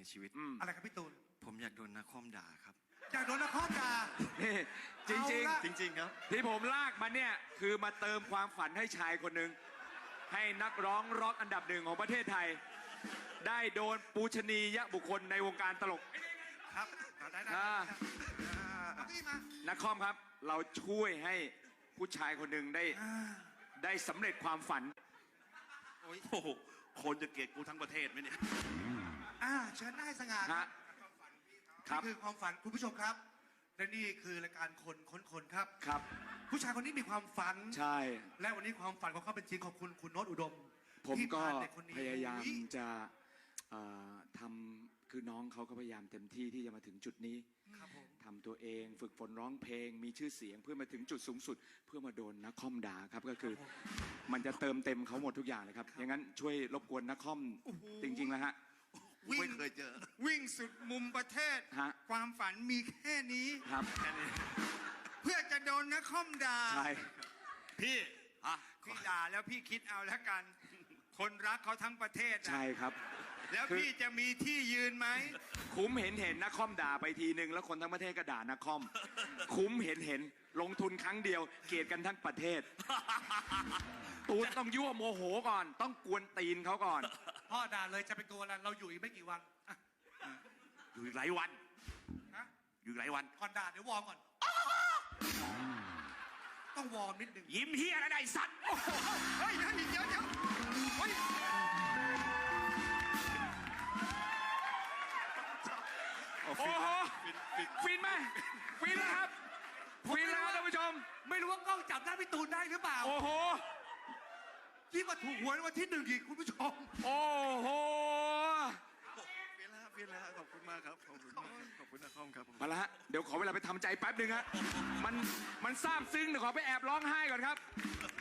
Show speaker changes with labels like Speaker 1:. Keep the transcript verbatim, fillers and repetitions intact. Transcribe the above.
Speaker 1: ชีวิต
Speaker 2: อะไรครับพี่ตูน
Speaker 1: ผมอยากโดนนักคอมด่าครับ
Speaker 2: อยากโดนนักคอมด่า
Speaker 3: นี่จริงจริง
Speaker 1: จริงๆครับ
Speaker 3: ที่ผมลากมาเนี่ยคือมาเติมความฝันให้ชายคนหนึ่งให้นักร้องร็อกอันดับหนึ่งของประเทศไทยได้โดนปูชนียบุคคลในวงการตลก
Speaker 2: ครับได้ได้
Speaker 3: นักคอมครับเราช่วยให้ผู้ชายคนหนึ่งได้ได้สำเร็จความฝัน
Speaker 1: โอ้โหคนจะเกลียดกูทั้งประเทศไหมเนี่ย
Speaker 2: อ่าเชิญได้สง่า
Speaker 3: ครับ
Speaker 2: นี่คือความฝันคุณผู้ชมครับและนี่คือรายการคนค้นคนครับ
Speaker 3: ครับ
Speaker 2: ผู้ชายคนนี้มีความฝัน
Speaker 3: ใช่
Speaker 2: และวันนี้ความฝันของเขาเป็นจริงขอบคุณคุณโน้ตอุดม
Speaker 3: ผมก็พยายามจะทำคือน้องเขาก็พยายามเต็มที่ที่จะมาถึงจุดนี้ทำตัวเองฝึกฝนร้องเพลงมีชื่อเสียงเพื่อมาถึงจุดสูงสุดเพื่อมาโดนนักคอมด่าครับก็คือมันจะเติมเต็มเขาหมดทุกอย่างเลยครับอย่างนั้นช่วยรบกวนนักคอมจริงๆแล้วฮะ
Speaker 1: ไม่เคยเจอ
Speaker 4: วิ่งสุดมุมประเทศความฝันมีแค่นี้
Speaker 3: ครับแค่
Speaker 4: นี้เพื่อจะโดนนักคอมด่า
Speaker 3: ใช่
Speaker 4: พี่พี่ด่าแล้วพี่คิดเอาแล้วกันคนรักเขาทั้งประเทศ
Speaker 3: ใช่ครับ
Speaker 4: แล้วพี่จะมีที่ยืนไหม
Speaker 3: คุ้มเห็นเห็นนักคอมด่าไปทีนึงแล้วคนทั้งประเทศก็ด่านักคอมคุ้มเห็นเห็นลงทุนครั้งเดียวเกลียดกันทั้งประเทศตูนต้องยั่วโมโหก่อนต้องกวนตีนเขาก่อน
Speaker 2: พ่อด่าเลยจะเป็นตัวอะไรเราอยู่อีกไม่กี่วัน
Speaker 1: อยู่อีกหลายวันอยู่หลายวัน
Speaker 2: ก่อนด่าเดี๋ยววอร์มก่อนต้องวอร์มนิดหนึ่ง
Speaker 1: ยิ้มเฮียอะไรสัตว์
Speaker 4: เฮ้ยเดี๋ยวเดี๋ยวเดี๋ยวเฮ้ย
Speaker 3: โอ้โหฟินไหมฟินแล้วครับฟินแล้วท่านผู้ชม
Speaker 2: ไม่รู้ว่ากล้องจับหน้าพี่ตูนได้หรือเปล่า
Speaker 3: โอ้โห
Speaker 2: ที่มาถูกหวยวันที่หนึ่งอีกคุณผู้ชม
Speaker 3: โอ้โห
Speaker 1: ฟินแล้วฟินแล้วขอบคุณมากครับขอบคุณมากขอบคุณนักคอมครับ
Speaker 3: มาละฮะเดี๋ยวขอเวลาไปทำใจแป๊บหนึ่งฮะมันมันซาบซึ้งเดี๋ยวขอไปแอบร้องไห้ก่อนครับ